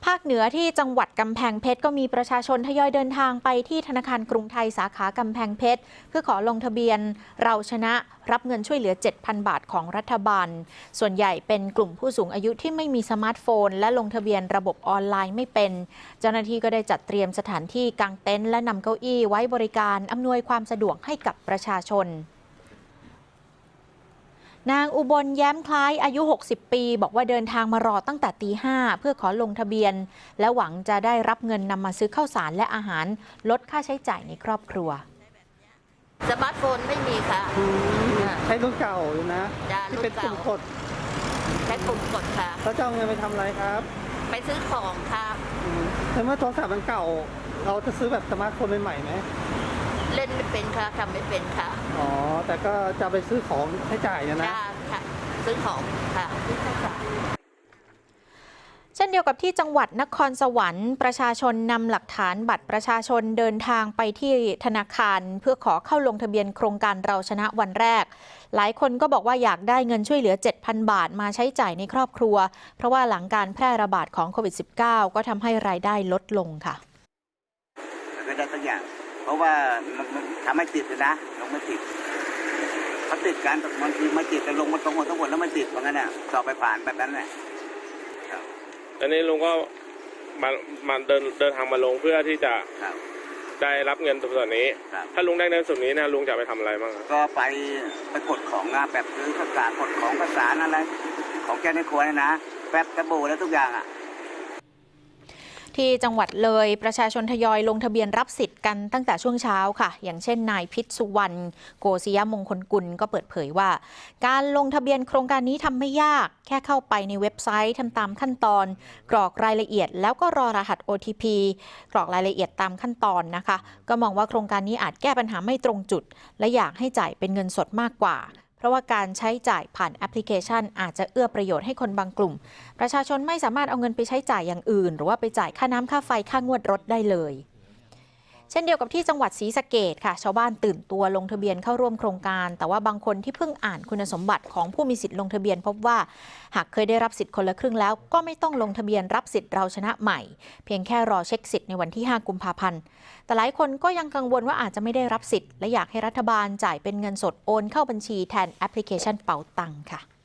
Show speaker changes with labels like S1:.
S1: ภาคเหนือที่จังหวัดกำแพงเพชรก็มีประชาชนทยอยเดินทางไปที่ธนาคารกรุงไทยสาขากำแพงเพชรเพื่อขอลงทะเบียนเราชนะรับเงินช่วยเหลือ 7,000 บาทของรัฐบาลส่วนใหญ่เป็นกลุ่มผู้สูงอายุที่ไม่มีสมาร์ทโฟนและลงทะเบียนระบบออนไลน์ไม่เป็นเจ้าหน้าที่ก็ได้จัดเตรียมสถานที่กางเต็นท์และนำเก้าอี้ไว้บริการอำนวยความสะดวกให้กับประชาชนนางอุบลแย้มคล้ายอายุ 60 ปีบอกว่าเดินทางมารอตั้งแต่ตี 5เพื่อขอลงทะเบียนและหวังจะได้รับเงินนำมาซื้อข้าวสารและอาหารลดค่าใช้จ่ายในครอบครัว
S2: สมาร์ทโฟนไม่มีค่ะ
S3: ใช้รุ่นเก่าอยู่นะที่เป็นปุ่มกด
S2: ใช้ปุ่มกดค่ะ
S3: แล้วจะเอาเงินไปทำอะไรครับ
S2: ไปซื้อของค่ะ
S3: แต่เมื่อโทรศัพท์มันเก่าเราจะซื้อแบบสมาร์ทโฟนใหม่ไหม
S2: เล่นไม่เป็นค่ะทำไม่เป็นค่ะ
S3: อ๋อแต่ก็จะไปซื้อของใช้จ่ายนะ
S2: ค่ะซื้อของค่ะ
S1: เช่นเดียวกับที่จังหวัดนครสวรรค์ประชาชนนำหลักฐานบัตรประชาชนเดินทางไปที่ธนาคารเพื่อขอเข้าลงทะเบียนโครงการเราชนะวันแรกหลายคนก็บอกว่าอยากได้เงินช่วยเหลือ 7,000 บาทมาใช้จ่ายในครอบครัวเพราะว่าหลังการแพร่ระบาดของโควิด -19 ก็ทำให้รายได้ลดลงค่ะ
S4: ไม่ได้สักอย่างเพราะว่าทำให้ติดเลยนะลงไม่ติดเขาติดกันบางทีมาติดแต่ลงมาตรงหมดทั้งหมดแล้วมันติดเหมือนกันน่ะสอบไปผ่านแบบนั้นแหละ
S5: อันนี้ลุงก็มาเดินทางมาลงเพื่อที่จะได้รับเงินส่วนนี้ถ้าลุงได้เงินส่วนนี้นะลุงจะไปทำอะไรบ้าง
S4: ก็ไปกดของแบบซื้อข้าวสารกดของข้าวสารอะไรของแกในครัวนะแป๊บกระโบแล้วทุกอย่าง
S1: ที่จังหวัดเลยประชาชนทยอยลงทะเบียนรับสิทธิ์กันตั้งแต่ช่วงเช้าค่ะอย่างเช่นนายพิษสุวรรณโกศิยมงคลกุลก็เปิดเผยว่าการลงทะเบียนโครงการนี้ทำไม่ยากแค่เข้าไปในเว็บไซต์ทำตามขั้นตอนกรอกรายละเอียดแล้วก็รอรหัส OTP กรอกรายละเอียดตามขั้นตอนนะคะก็มองว่าโครงการนี้อาจแก้ปัญหาไม่ตรงจุดและอยากให้จ่ายเป็นเงินสดมากกว่าเพราะว่าการใช้จ่ายผ่านแอปพลิเคชันอาจจะเอื้อประโยชน์ให้คนบางกลุ่มประชาชนไม่สามารถเอาเงินไปใช้จ่ายอย่างอื่นหรือว่าไปจ่ายค่าน้ำค่าไฟค่างวดรถได้เลยเช่นเดียวกับที่จังหวัดศรีสะเกษค่ะชาวบ้านตื่นตัวลงทะเบียนเข้าร่วมโครงการแต่ว่าบางคนที่เพิ่งอ่านคุณสมบัติของผู้มีสิทธิ์ลงทะเบียนพบว่าหากเคยได้รับสิทธิ์คนละครึ่งแล้วก็ไม่ต้องลงทะเบียนรับสิทธิ์เราชนะใหม่เพียงแค่รอเช็คสิทธิ์ในวันที่ 5 กุมภาพันธ์แต่หลายคนก็ยังกังวลว่าอาจจะไม่ได้รับสิทธิ์และอยากให้รัฐบาลจ่ายเป็นเงินสดโอนเข้าบัญชีแทนแอปพลิเคชันเป๋าตังค่ะ